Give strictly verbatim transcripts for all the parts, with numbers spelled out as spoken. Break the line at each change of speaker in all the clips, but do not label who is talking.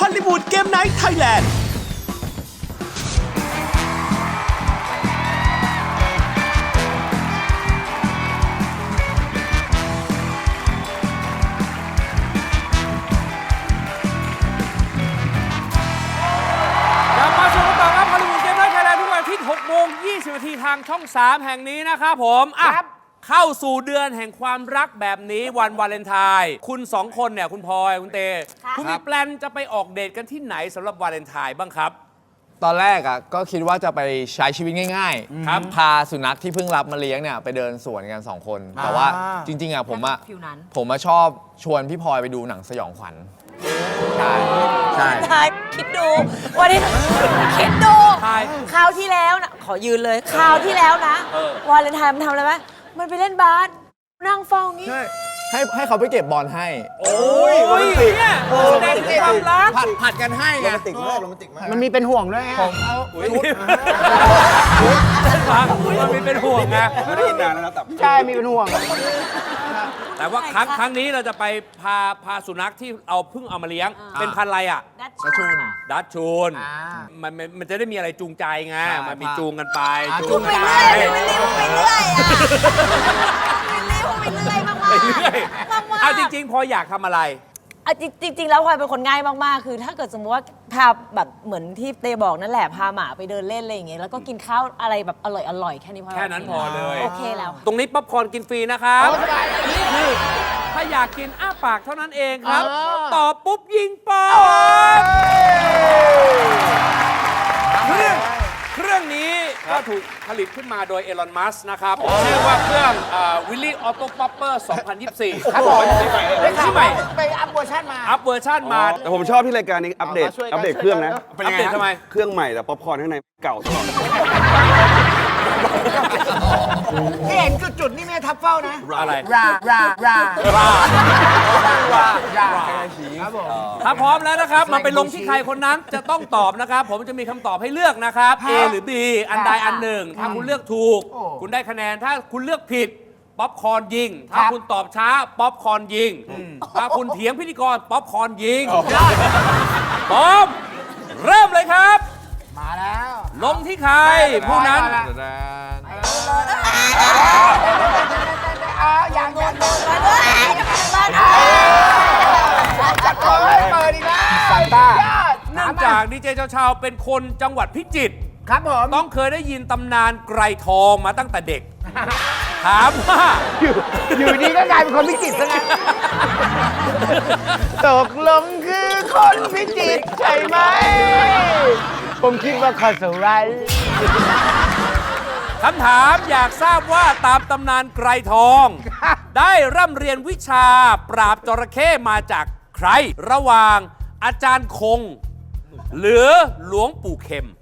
อลลีวูดเกมไนท์ไทยแลนด์
หกโมงยี่สิบนาทีทางช่องสามแห่งนี้นะครับผมอ่ะเข้าสู่เดือนแห่งความรักแบบนี้วันวาเลนไทน์คุณสองคนเนี่ยคุณพลอยคุณเตคุณมีแปลนจะไปออกเดทกันที่ไหนสำหรับวาเลนไทน์บ้างครับ
ตอนแรกอ่ะก็คิดว่าจะไปใช้ชีวิตง่ายๆครับพาสุนัขที่เพิ่งรับมาเลี้ยงเนี่ยไปเดินสวนกันสองคนแต่ว่าจริงๆอ่ะผมอ่ะผมมาชอบชวนพี่พลอยไปดูหนังสยองขวัญใช่ใช่
ทายคิดดูวันนี้คิดดูคราวที่แล้วนะขอยืนเลยคราวที่แล้วนะวาเลนไทน์มันทำอะไรไหมมันไปเล่นบาสนั่งเฝ้างี้
ให้ให้เขาไปเก็บบอลให้
โอ้ยเนี่ยแสดงความรัก
ผัดผัดกันให้
โรแมนติกมากโรแมนติกมาก
มันมีเป็นห่วงด้วยไง
ผมเอาชุด
มันมีเป็นห่วงไง
ไม่ได้ยินนานแล้วนะแต่
ใช่มีเป็นห่วง
แต่ว่าครั้งครั้งนี้เราจะไปพาพาสุนัขที่เอาเพิ่งเอามาเลี้ยงเป็นพันธุ์อะไรอ่ะ
ดัชชูน
ดัชชูนมันมันจะได้มีอะไรจูงใจไงมันมีจูงกันไป
จูงไปเรื่อยไปเรื่อยไปเรื่อยอ่ะไปเรื่อยไปเรื่อยมากๆไปเรื่อย
เอาจริงๆพออยากทำอะไร
จริงๆแล้วพลอยเป็นคนง่ายมากๆคือถ้าเกิดสมมติว่าพาแบบเหมือนที่เตบอกนั่นแหละพาหมาไปเดินเล่นอะไรอย่างเงี้ยแล้วก็กินข้าวอะไรแบบอร่อยๆแค่นี้พอ
แค่นั้นพอเลย
โอเคแล้ว
ตรงนี้ป๊อปคอร์นกินฟรีนะครับนี่คือถ้าอยากกินอ้าปากเท่านั้นเองครับตอบปุ๊บยิงป๊อปเครื่องเครื่องนี้ก็ถูกผลิตขึ้นมาโดยเอลอน มัสก์นะครับชื่อว่าเครื่องวิลลี่ออโต้ป๊อปเปอร์สองพันยี่สิบสี่
ครับผม
ที่ใหม่
ไปอัพเวอร์ชันมา
อัพเวอร์ชันมา
แต่ผมชอบที่รายการนี้อัปเดตอัปเดตเครื่องนะ
อัปเดตทำไม
เครื่องใหม่แต่ป๊อปคอร์นข้างในเก่าตลอด
ที่เห็นจุดๆนี่ไม่ทับเฝ้านะ
อะไร
รารารา
รา
รารา
ครับผมถ้าพร้อมแล้วนะครับมาไปลงที่ใครคนนั้นจะต้องตอบนะครับผมจะมีคำตอบให้เลือกนะครับ A หรือ B อันใดอันหนึ่งถ้าคุณเลือกถูกคุณได้คะแนนถ้าคุณเลือกผิดป๊อปคอร์นยิงถ้าคุณตอบช้าป๊อปคอร์นยิงถ้าคุณเถียงพิธีกรป๊อปคอร์นยิงพร้อมเริ่มเลยครับ
มาแล้ว
ลงที่ใครผู้นั้น
อย่างอย่างจัดเลยเปิดอีกแล้วซันต้า
เนื่องจากดีเจเช้าๆเป็นคนจังหวัดพิจิตร
ครับผม
ต้องเคยได้ยินตำนานไกรทองมาตั้งแต่เด็กถามว่า
อยู่ดีก็กลายเป็นคนพิจิตรซะงั้นตกลงคือคนพิจิตรใช่ไหมผมคิดว่าคอสไร
คำถามอยากทราบว่าตามตำนานไกรทองได้ร่ำเรียนวิชาปราบจระเข้มาจากใครระหว่างอาจารย์คงหรือหลวงปู่เข็ม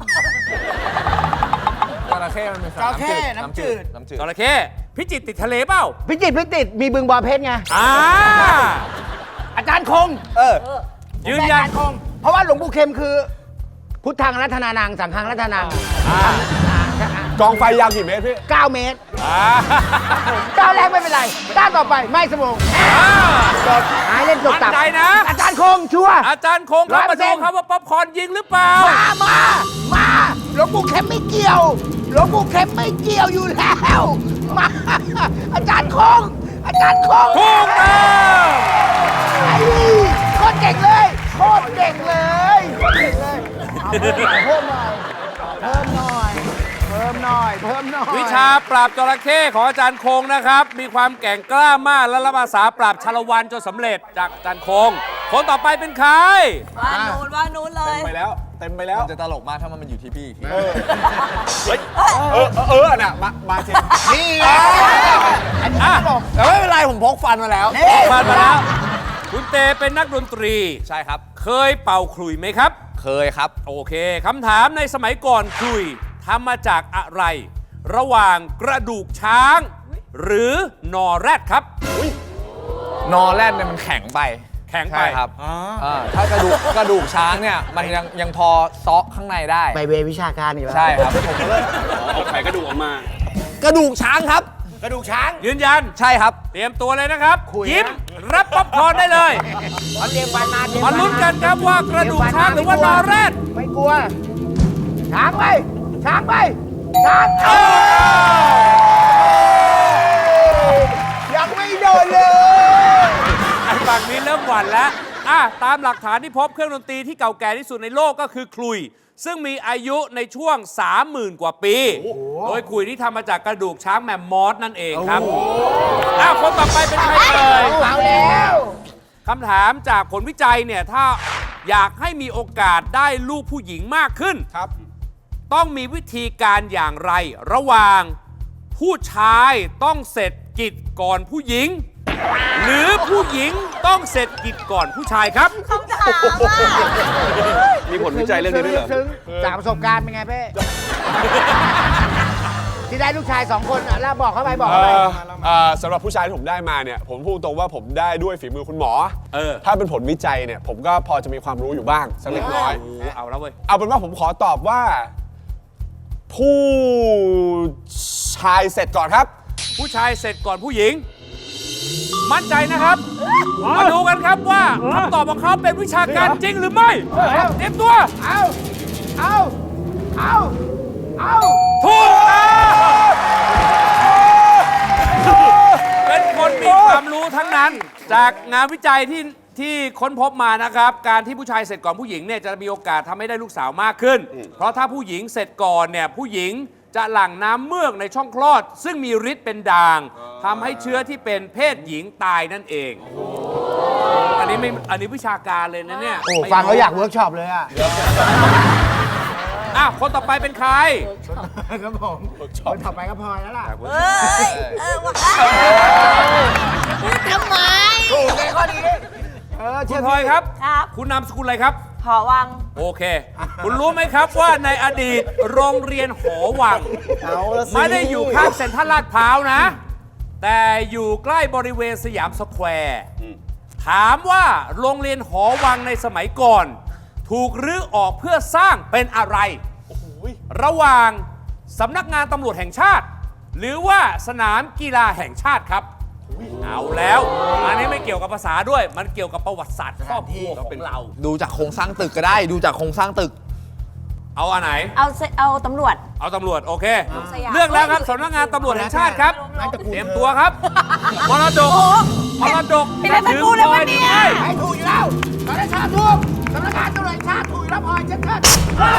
จระเข้มันเป็นสัตว์น้ำจืดน้ำจืด
จระเข้พิจิตรติดทะเลเปล่า
พิจิตรพิจิตรมีบึงบอเพชรไง
อ่า
อาจารย์คง
เออ
ยืนยัน
คงเพราะว่าหลวงปู่เข็มคือพุทธังรัตนานังสังฆังรัตนัง
กองไฟยาวกี่เมตรพี่
เก้าเมตรก้าวแรกไม่เป็นไรก้าวต่อไปไม่สมองจบหายเล่นจบตับ
ใจนะ
อาจารย์คงชัว
อาจารย์คงครับมาดูครับว่าป๊อปคอร์นยิงหรือเปล่า
มามามาหลวงปู่เข็มไม่เกี่ยวหลวงปู่เข็มไม่เกี่ยวอยู่แล้วมาอาจารย์คงอาจารย์คง
ถูกต้อง
ไอ้โคตรเก่งเลยโคตรเก่งเลยโคตรเก่งเลยเพิ่มหน่อยเพิ่มหน่อยเพิ่มหน่อยเพิ่มหน่อย
วิชาปราบจระเข้ของอาจารย์คงนะครับมีความแก่งกล้ามากและรับอาสาปราบชาละวันจนสำเร็จจากอาจารย์คงคนต่อไปเป็นใคร
ว่านูนว่านูนเลย
เต็มไปแล้วเต็มไปแล้ว
จะตลกมากถ้ามันอยู่ที่พี่
เออเออเออน่ะมามาเช
นี่
อันนี้ตลกแต่ไม่เป็นไรผมพกฟันมาแล้ว
ฟันมาแล้วคุณเตเป็นนักดนตรี
ใช่ครับ
เคยเป่าขลุ่ยไหมครับ
เคยครับ
โอเคคำถามในสมัยก่อนขลุ่ยทำมาจากอะไรระหว่างกระดูกช้างหรือนอแรดครับ
นอแรดเนี่ยมันแข็งไป
แข็งไป
ครับถ้ากระดูกกระดูกช้างเนี่ยมันยังยังพอซอกข้างในได้
ไปเววิชาการอีกแล้ว
ใช่ครับ
ผมก็เลยเอาไขกระดูกออกมาก
ระดูกช้างครับ
กระดูกช้าง
ยืนยัน
ใช่ครับ
เตรียมตัวเลยนะครับ
คุยนะ
ยิ้มรับป๊อปคอร์นได้เลย
เอาเตรียมฟันมาเตรียม
มา
ฟั
ลุ้นกันครับว่ากระดูกช้างหรือว่านอแรด
ไม่กลัว ช้างไป ช้างไป ช้างเอยังไม่โดนเลย
ไอ้ฝั่งนี้เริ่มหวั่นแล้วอ่ะตามหลักฐานที่พบเครื่องดนตรีที่เก่าแก่ที่สุดในโลกก็คือคลุย ซึ่งมีอายุในช่วง สามหมื่น กว่าปี โดยคลุยที่ทำมาจากกระดูกช้างแมมมอสนั่นเองครับอ้าวคนต่อไปเป็นใครเอ่ย
เอาแล้ว
คำถามจากผลวิจัยเนี่ย ถ้าอยากให้มีโอกาสได้ลูกผู้หญิงมากขึ้น
ครับ
ต้องมีวิธีการอย่างไร ระหว่างผู้ชายต้องเสร็จกิจก่อนผู้หญิง หรือผู้หญิงต้องเสร็จกิจก่อนผู้ชายครับ
คำถามว่า
มีผลวิจัยเรื่องนี้ด้วยเหรอ
ถึงจากประสบการณ์เป็นไงเพ่ที่ได้ลูกชายสองคนอ่ะแล้วบอกเข้าไปบอก
เอ่
เข้าไป
อเอ่อสำหรับผู้ชายที่ผมได้มาเนี่ย ผมพูดตรงว่าผมได้ด้วยฝีมือคุณหมอ
เออ
ถ้าเป็นผลวิจัยเนี่ย ผมก็พอจะมีความรู้อยู่บ้างสักเล็กน้อย
เอาแล้วเว้ย
เอาเป็นว่าผมขอตอบว่า ผู้ชายเสร็จก่อนครับ
ผู้ชายเสร็จก่อนผู้หญิง มั่นใจนะครับ มาดูกันครับว่าคำตอบของเขาเป็นวิชาการจริงหรือไม่ เตรียมตัว
เอา เอา เอา เอา
ถูกต้องเป็นคนมีความรู้ทั้งนั้น จากงานวิจัยที่ที่ค้นพบมานะครับ การที่ผู้ชายเสร็จก่อนผู้หญิงเนี่ยจะมีโอกาสทำให้ได้ลูกสาวมากขึ้น เพราะถ้าผู้หญิงเสร็จก่อนเนี่ยผู้หญิงจะหลั่งน้ำเมือกในช่องคลอด ซึ่งมีฤทธิ์เป็นด่างทำให้เชื้อที่เป็นเพศหญิงตายนั่นเอง อันนี้ไม่อันนี้วิชาการเลยนะเนี่ย
โอ้ฟังแล้วอยากเวิร์กช็อปเลยอ่ะ
อ่ะคนต่อไปเป็นใคร
ครับผมคนต่อไปก็พลอยแล้วล่ะ
เอ้ย เออว่าพูดทำไม
ถูกเลยข้อนี้เออ
คุ
เชื่
ณ
อ
พลอยครับ
ครับ
คุณนามสกุลอะไรครับ
หอวัง
โอเค คุณรู้ไหมครับว่าในอดีตโรงเรียนหอวัง
เอาละสิ
ไม่ได้อยู่ข้างเซ็นทรัลลาดพร้าวนะ แต่อยู่ใกล้บริเวณสยามสแควร์ถามว่าโรงเรียนหอวังในสมัยก่อน ถูกรื้อออกเพื่อสร้างเป็นอะไร ระหว่างสำนักงานตำรวจแห่งชาติ หรือว่าสนามกีฬาแห่งชาติครับ เอาแล้ว อันนี้ไม่เกี่ยวกับภาษาด้วย มันเกี่ยวกับประวัติศาสตร์ครอบครัวของเรา
ดูจากโครงสร้างตึกก็ได้ ดูจากโครงสร้างตึก
เอาอันไหน
เอาเซเอาตำรวจ
เอาตำรวจ โอเค
สยาม
เลือกแล้วครับสำนักงานตำรวจแห่งชาติครับ
นั่นตระกูล
เตรียมตัวครับมรดกมรดก
เป็นอะไรตระกูลเลยวะเนี่ย
ให้ถูกอยู่แล้วสำนักงานถูกสำนักงานตำรวจแห่งชาติถูกอยู่แล้วพลอยเช็ดเช็ด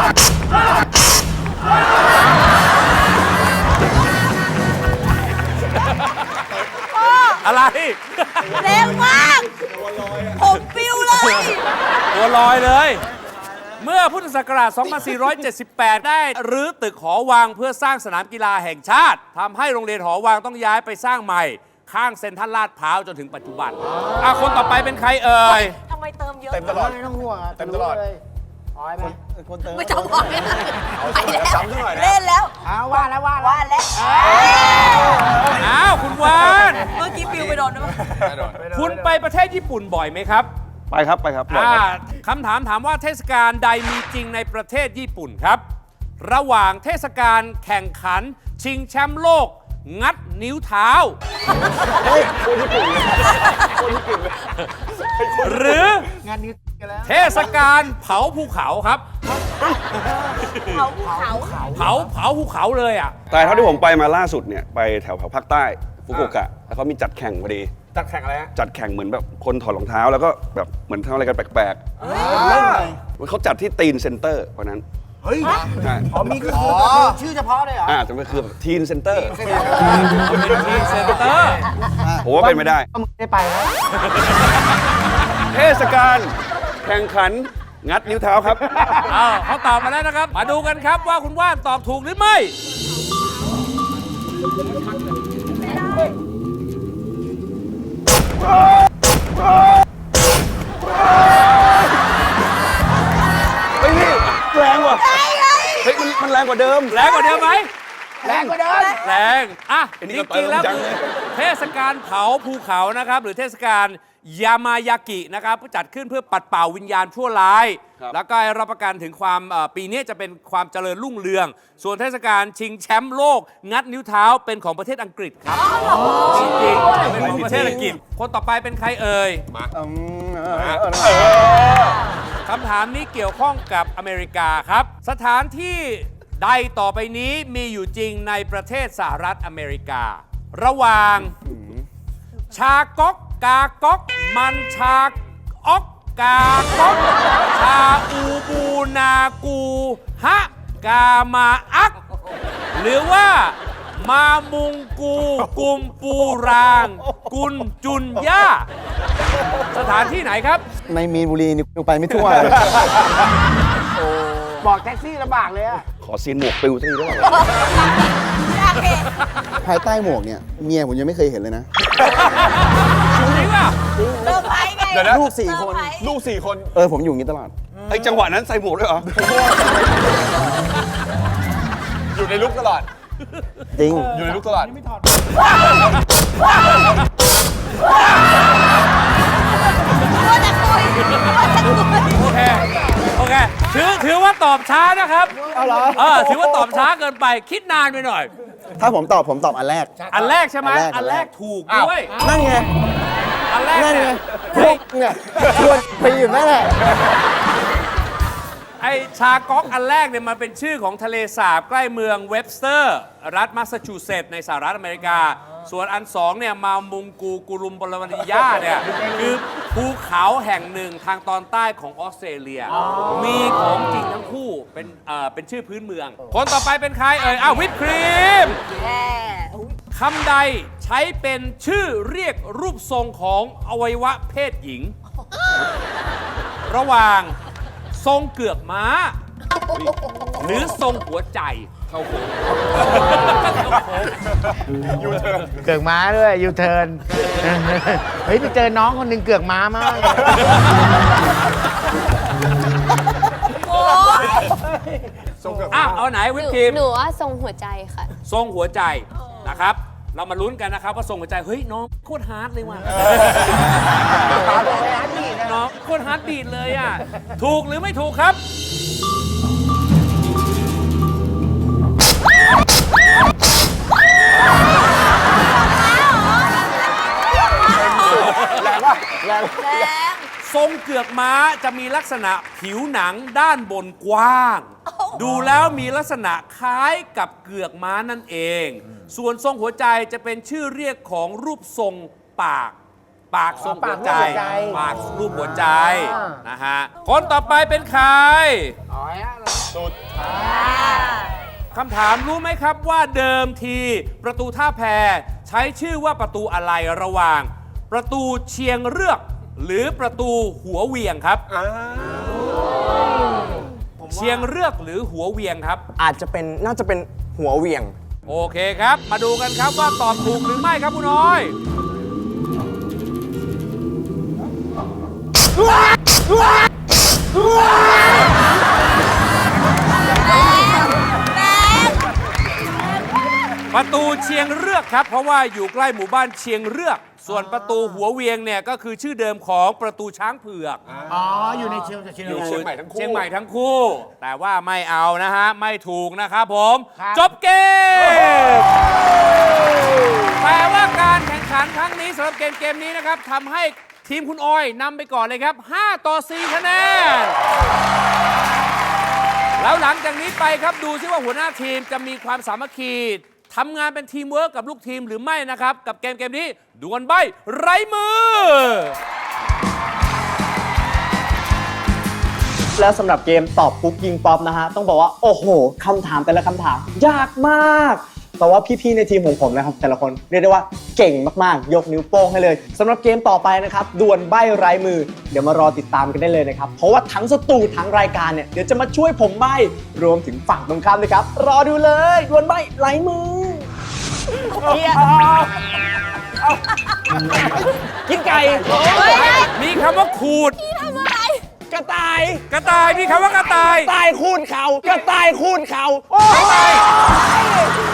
อะไร
แรงมาก ผมปิวเลย
ตัวลอยเลย เมื่อพุทธศักราช สองพันสี่ร้อยเจ็ดสิบแปด ได้รื้อตึกหอวังเพื่อสร้างสนามกีฬาแห่งชาติทำให้โรงเรียนหอวังต้องย้ายไปสร้างใหม่ ข้างเซ็นทรัลลาดพร้าวจนถึงปัจจุบันอ่ะคนต่อไปเป็นใครเอ่ย
ทำไมเติมเยอะ
เต็มตลอด
ไม่ต้องห่วงะ
เต็มตลอด
รู้เลยพลอยไหมคนเติม
ไม่ต้องบอกไปแล้ว
จำซะหน่อยนะ
เล่นแล้ว
อ้าวว่าแล้วว่าแล้ว
ว่าแล้ว
อ้าว คุณวาน
เมื่อกี้ปิวไปโดนด้วยมั้ย
คุณไปประเทศญี่ปุ่นบ่อยไหมครับ
ไปครับไปครับบ่อย
อ่า
ครับ
คำถามถามว่าเทศกาลใดมีจริงในประเทศญี่ปุ่นครับ ระหว่างเทศกาลแข่งขัน ชิงแชมป์โลก งัดนิ้วเท้า หรือง
านนี้กันแล้ว
เทศกาลเผาภูเขาครับ
เขาเขา
เผาเผาภูเขาเลยอ่ะ
แต่เท่าที่ผมไปมาล่าสุดเนี่ยไปแถวแถวภาคใต้ฟุกุโอกะแล้วเขามีจัดแข่งพอดี
จัดแข่งอะไรฮะ
จัดแข่งเหมือนแบบคนถอดรองเท้าแล้วก็แบบเหมือนทำอะไรกันแปลกๆเขาจัดที่ตีนเซ็นเตอร์เพราะนั้น
เฮ้ย
ใช่
อ๋อมีคือชื่อเฉพาะเลยเหรอ
อ่าแต่มันคือแบบทีนเซ็นเตอร์
เป็นทีมเซ็นเตอร์
ผมว่าเป็นไม่ได้
ก็มึงได้ไปแล้ว
เทศกาลแข่งขันงัดนิ้วเท้าครับ
อ้าวเขาตอบมาแล้วนะครับ มาดูกันครับว่าคุณว่านตอบถูกหรือไม่
เฮ้ยพี่แรงว่ะเฮ้ยมันมันแรงกว่าเดิม
แรงกว่าเดิมไหม
แรงกว่าเดิม
แรงอ่ะ
อัน
จ
นี้ก็
ริงๆแล้ว
เติมจัง
คือ
เลย
เทศกาลเผาภูเขานะครับ หรือเทศกาลยามายากินะครับจัดขึ้นเพื่อปัดเป่าวิญญาณชั่วร้าย แล้วก็รับประกันถึงความเอ่อปีนี้จะเป็นความเจริญรุ่งเรือง ส่วนเทศกาลชิงแชมป์โลก งัดนิ้วเท้าเป็นของประเทศอังกฤษครับจริงๆเป็นของประเทศอังกฤษคนต่อไปเป็นใครเอ่ยมาคำถามนี้เกี่ยวข้องกับอเมริกาครับ สถานที่ใดต่อไปนี้มีอยู่จริงในประเทศสหรัฐอเมริกา ระหว่าง ชาก๊อกกาก๊อกมันชาอ๊อกกาก๊อกชาอูบูนากูฮะกามาอัก หรือว่ามามุงกูกุมปูราง กุนจุนย่า สถานที่ไหนครับ
ในมีนบุรีนี่กูไปไม่ทั่วเลย บอกแท็กซี่ลำบากเลยอะ
ขอซีนหมวกปิวสักทีได้ไหม
ภายใต้หมวกเนี่ยเมียผมยังไม่เคยเห็นเลยนะ
จริงป่ะ
เซอร์ไพรส์ไง
เดี๋ยวนะ
ลูกสี่คน
ลูกสี่คน
เออผมอยู่อย่างนี้ตลอด
ไอ้จังหวะนั้นใส่หมวกด้วยเหรอ
อยู่ในลุกตลอด
จริง
อยู่ในลุกตลอด
โอเค โอเค ถือถือว่าตอบช้านะครับ
เอาเหรอ
เออ ถือว่าตอบช้าเกินไป คิดนานไปหน่อย
ถ้าผมตอบผมตอบอันแรก
อันแรกใช่ไหม
อันแรก
อันแรกถูกด้วย
นั่นไง
อันแรก
นั่น
เนี่
ไง
ย
พวกเนี่ยชวนไปอยู่นั่นแหละ
ไอชาก๊อกอันแรกเนี่ยมันเป็นชื่อของทะเลสาบใกล้เมืองเวบสเตอร์ รัฐแมสซาชูเซตส์ในสหรัฐอเมริกา ส่วนอันสองเนี่ยมามุงกูกุรุมบรวนิยาเนี่ยคือภูเขาแห่งหนึ่งทางตอนใต้ของออสเตรเลีย มีของจริงทั้งคู่เป็นเอ่อเป็นชื่อพื้นเมือง คนต่อไปเป็นใครเอ่ยอ้าววิปครีม คำใดใช้เป็นชื่อเรียกรูปทรงของอวัยวะเพศหญิง ระหว่างทรงเกือกม้า หรือทรงหัวใจเข้าโค้ง
เกือกม้าด้วยยูเทิร์น เฮ้ย ไปเจอน้องคนหนึ่งเกือกม้ามากเลย
อ่ะเอาไหนวิปครีม
หนูว่าทรงหัวใจค่ะ
ทรงหัวใจนะครับ เรามาลุ้นกันนะครับว่าทรงหัวใจ เฮ้ย น้องโคตรฮาร์ดเลยว่ะน้องโคตรฮาร์ดบีดเลยอ่ะ ถูกหรือไม่ถูกครับ ทรงเกือกม้าจะมีลักษณะผิวหนังด้านบนกว้าง ดูแล้วมีลักษณะคล้ายกับเกือกม้านั่นเอง ส่วนทรงหัวใจจะเป็นชื่อเรียกของรูปทรงปาก ปากทรงหัวใจ ปากรูปหัวใจนะฮะ คนต่อไปเป็นใครคำถามรู้ไหมครับว่าเดิมทีประตูท่าแพใช้ชื่อว่าประตูอะไรระหว่าง ประตูเชียงเรือกหรือประตูหัวเวียงครับเชียงเรือกหรือหัวเวียงครับ
อาจจะเป็นน่าจะเป็นหัวเหวี่ยง
โอเคครับ มาดูกันครับว่าตอบถูกหรือไม่ครับคุณน้อย ประตูเชียงเรือกครับ เพราะว่าอยู่ใกล้หมู่บ้านเชียงเรือก ส่วนประตูหัวเวียงเนี่ยก็คือชื่อเดิมของประตูช้างเผือก
อ๋อ อยู่ในเชียงเชียง
อยู่เชียงใหม่ทั้งคู่
เชียงใหม่ทั้งคู่ แต่ว่าไม่เอานะฮะ ไม่ถูกนะครับผม จบเกมแต่ว่าการแข่งขันครั้งนี้สำหรับเกมเกมนี้นะครับทำให้ทีมคุณออยนำไปก่อนเลยครับ ห้า ต่อ สี่ คะแนน แล้วหลังจากนี้ไปครับดูซิว่าหัวหน้าทีมจะมีความสามัคคีทำงานเป็นทีมเวิร์กกับลูกทีมหรือไม่นะครับ กับเกมเกมนี้ดวลใบไร้มือ
แล้วสำหรับเกมตอบปุ๊บยิงป๊อปนะฮะ ต้องบอกว่า โอ้โหคำถามแต่ละคำถาม ยากมาก แต่ว่าพี่ๆในทีมของผมนะครับ แต่ละคนเรียกได้ว่าเก่งมากๆ ยกนิ้วโป้งให้เลยสำหรับเกมต่อไปนะครับดวลใบไร้มือ เดี๋ยวมารอติดตามกันได้เลยนะครับ เพราะว่าทั้งสตูทั้งรายการเนี่ยเดี๋ยวจะมาช่วยผมใบรวมถึงฝั่งตรงข้ามด้วยครับ รอดูเลยดวลใบไร้มือ กินไก่
มีคำว่าขูด
กระต่าย
กระต่ายมีคำว่ากระต่าย
ตายคูณเขากระต่ายคูณเขา
ไม่ไป